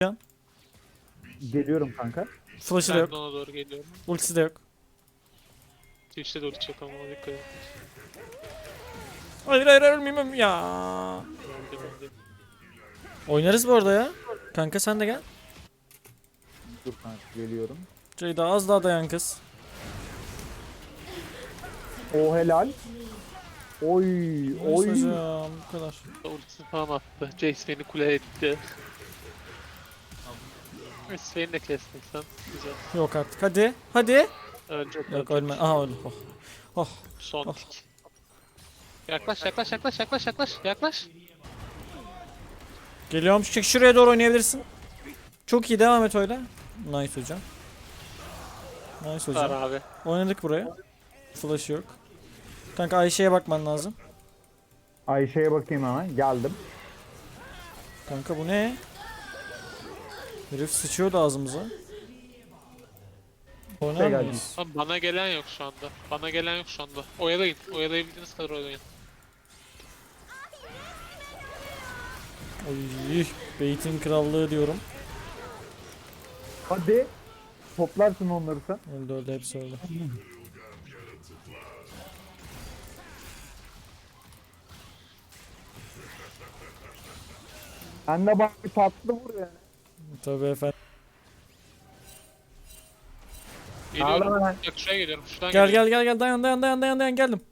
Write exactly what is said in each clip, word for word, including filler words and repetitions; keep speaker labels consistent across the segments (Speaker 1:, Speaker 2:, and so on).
Speaker 1: Can.
Speaker 2: Geliyorum kanka.
Speaker 1: Flash'ı da
Speaker 3: Ben
Speaker 1: yok.
Speaker 3: de ona doğru geliyorum.
Speaker 1: Ultisi de yok.
Speaker 3: Twitch'te de ulti yok ama ona dikkat et.
Speaker 1: Hayır hayır hayır, ölmeyeyim ya.
Speaker 3: Öldüm öldüm.
Speaker 1: Oynarız bu arada ya. Kanka sen de gel.
Speaker 2: Dur kanka geliyorum.
Speaker 1: Ceyda az daha dayan kız.
Speaker 2: O helal. Oy oy.
Speaker 1: Neyse hocam bu kadar.
Speaker 3: Ultisini falan attı. Jace beni kule etti. Sven'i de kestin sen. Güzel.
Speaker 1: Yok artık hadi. Hadi.
Speaker 3: Ölecek
Speaker 1: Yok
Speaker 3: ölecek.
Speaker 1: ölme. Aha öldü. Oh. Oh.
Speaker 3: Son
Speaker 1: Oh.
Speaker 3: tik. Yaklaş yaklaş yaklaş yaklaş yaklaş yaklaş.
Speaker 1: Geliyorum. Çık şuraya doğru oynayabilirsin. Çok iyi, devam et öyle. Nice hocam. Nice
Speaker 3: Var
Speaker 1: hocam.
Speaker 3: abi.
Speaker 1: Oynadık buraya. Flash yok. Kanka Ayşe'ye bakman lazım.
Speaker 2: Ayşe'ye bakayım hemen. Geldim.
Speaker 1: Kanka bu ne? Herif sıçıyordu ağzımıza. Oynar
Speaker 2: geldi.
Speaker 1: mıyız?
Speaker 3: Abi bana gelen yok şu anda. Bana gelen yok şu anda. Oyalayın. Oyalayabildiğiniz kadar oyalayın.
Speaker 1: Oy, Beyt'in krallığı diyorum.
Speaker 2: Hadi. Toplarsın onları sen.
Speaker 1: Öldü öldü, hepsi öldü.
Speaker 2: Sen de bak bir tatlı vur yani.
Speaker 1: Tabii efendim.
Speaker 3: Geliyorum.
Speaker 2: Ağlama lan.
Speaker 3: Bak şuraya geliyorum. Şuradan
Speaker 1: Gel
Speaker 3: geliyorum.
Speaker 1: gel gel gel, dayan dayan dayan dayan dayan, geldim.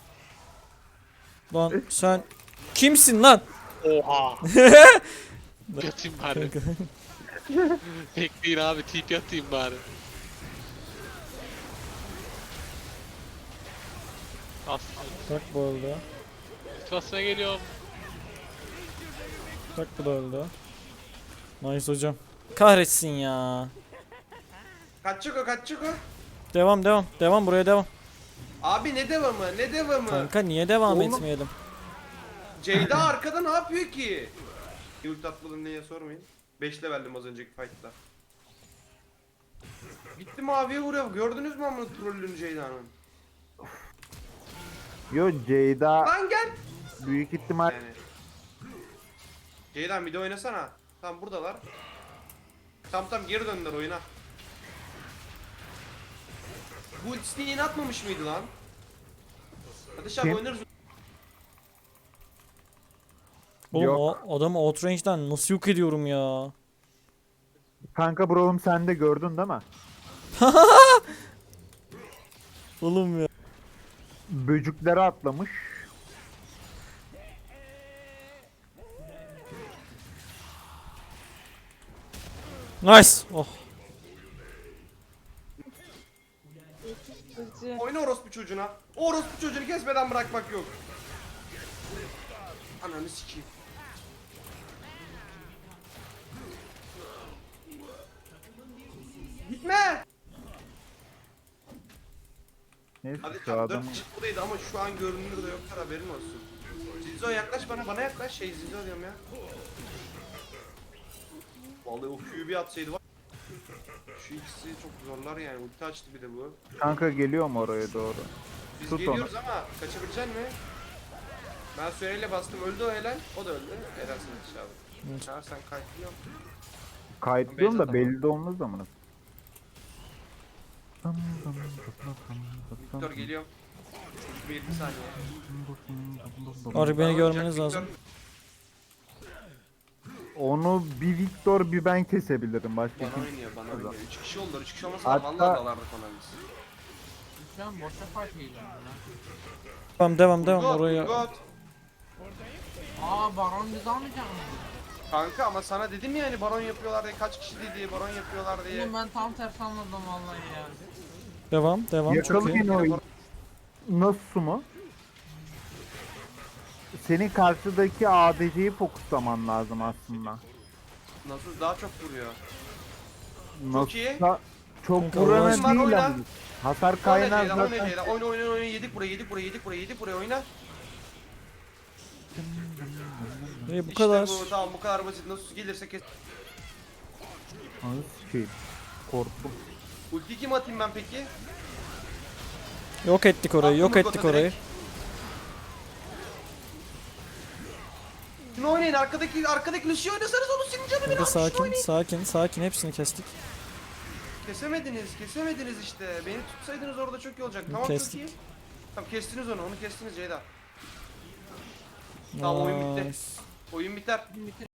Speaker 1: Lan sen kimsin lan?
Speaker 3: Oha. Yatayım bari. Bekleyin abi. Tip yatayım bari. Aslında.
Speaker 1: Bak bu öldü.
Speaker 3: Basmaya geliyorum.
Speaker 1: Bak bu da öldü. Nice hocam. Kahretsin ya.
Speaker 4: Kaçacak o kaçacak o.
Speaker 1: Devam devam devam, buraya devam.
Speaker 4: Abi ne devamı ne devamı.
Speaker 1: Kanka niye devam
Speaker 2: Oğlum.
Speaker 1: etmeyelim?
Speaker 4: Ceyda arkada ne yapıyor ki? Ult atmadın diye sormayın. beş leveldim az önceki fight'ta. Gitti maviye vuruyor. Gördünüz mü amına trollünü Ceyda'nın?
Speaker 2: Yo Ceyda
Speaker 4: Lan gel.
Speaker 2: büyük ihtimal
Speaker 4: Yani. Ceyda bir de oynasana. Tamam buradalar. Tam tam geri döndüler oyuna. Bu ultisini yeni atmamış mıydı lan? Hadi şap
Speaker 2: Kim?
Speaker 4: oynarız.
Speaker 1: Oğlum
Speaker 2: Yok.
Speaker 1: o adamı outrange'den nasıl yok ediyorum ya?
Speaker 2: kanka Brawl'um sen de gördün değil mi?
Speaker 1: Oğlum ya.
Speaker 2: Böcüklere atlamış.
Speaker 1: Nice. Oh.
Speaker 4: Oyna orospu çocuğuna. O orospu çocuğunu kesmeden bırakmak yok. Ananı sikeyim. Gitme.
Speaker 2: Neyse
Speaker 4: Hadi
Speaker 2: şu
Speaker 4: tamam
Speaker 2: adam.
Speaker 4: dört kişi buradaydı ama şu an görünür de yoktur, haberin olsun. Zilzo yaklaş bana, bana yaklaş, şey Zilzo diyorum ya. Vallahi o Q'yu bir atsaydı var. Şu ikisi çok zorlar yani, ulti açtı bir de bu.
Speaker 2: Kanka geliyorum oraya doğru.
Speaker 4: Biz
Speaker 2: Tut
Speaker 4: geliyoruz ama kaçabilecek mi? Ben süreyle bastım, öldü o helal, o da öldü. Helal sana Çağrı.
Speaker 1: Evet.
Speaker 4: Çağrı sen kayıtlıyorsun.
Speaker 2: Kayıtlıyorum da
Speaker 4: Beyza
Speaker 2: belli de olmaz amına.
Speaker 4: Victor geliyor. Bir yirmi saniye.
Speaker 1: Artık beni
Speaker 4: Tamam,
Speaker 1: görmeniz
Speaker 4: Jack,
Speaker 1: lazım.
Speaker 4: Victor.
Speaker 2: Onu bir Victor bir ben kesebilirim başka
Speaker 4: Bana
Speaker 2: kim?
Speaker 4: oynuyor, bana oynuyor. üç kişi oldular, üç kişi olmasa
Speaker 2: Hatta-
Speaker 4: vallahi dalardık ona biz.
Speaker 5: Şu an boşa fight geliyor lan.
Speaker 1: Devam devam devam
Speaker 4: Urgot,
Speaker 1: oraya.
Speaker 4: Urgot.
Speaker 5: Aa baron biz almayacak mı?
Speaker 4: Kanka ama sana dedim ya hani baron yapıyorlar diye, kaç kişi diye baron yapıyorlar diye.
Speaker 5: Oğlum ben tam tersi anladım vallahi ya.
Speaker 1: Devam devam, çok iyi.
Speaker 2: Yakalayın o nasıl mu? Senin karşıdaki A D C'yi fokuslaman lazım aslında.
Speaker 4: Nasıl daha çok vuruyor.
Speaker 2: Nasıl
Speaker 4: iyi.
Speaker 2: çok
Speaker 1: Kanka,
Speaker 2: vuran
Speaker 1: oyna,
Speaker 2: değil
Speaker 4: oyna.
Speaker 2: ama. Hasar
Speaker 4: Oyna
Speaker 2: kaynağı
Speaker 4: Ceylan, oyna
Speaker 2: zaten.
Speaker 4: Ceylan, oyna oyna oyna, yedik buraya, yedik buraya, yedik buraya, yedik buraya, oyna.
Speaker 1: Ee, bu
Speaker 4: İşte
Speaker 1: kadar.
Speaker 4: bu, tamam bu kadar basit, nasıl gelirse kes.
Speaker 2: Anı sikeyim. Korktum.
Speaker 4: Ulti kim atayım ben peki?
Speaker 1: Yok ettik orayı, yok
Speaker 4: Attım
Speaker 1: ettik
Speaker 4: Urgot'a
Speaker 1: orayı.
Speaker 4: direkt. Şunu oynayın arkadaki arkadaki Lucio oynasanız onu senin canı bir
Speaker 1: Kanka
Speaker 4: atmış. Şunu
Speaker 1: sakin
Speaker 4: oynayın.
Speaker 1: sakin sakin hepsini kestik.
Speaker 4: Kesemediniz kesemediniz işte. Beni tutsaydınız orada çok iyi olacak. Tamam
Speaker 1: Kestik.
Speaker 4: çok iyi. Tamam kestiniz onu onu kestiniz Ceyda. Tamam oyun bitti.
Speaker 1: Nice.
Speaker 4: Oyun biter.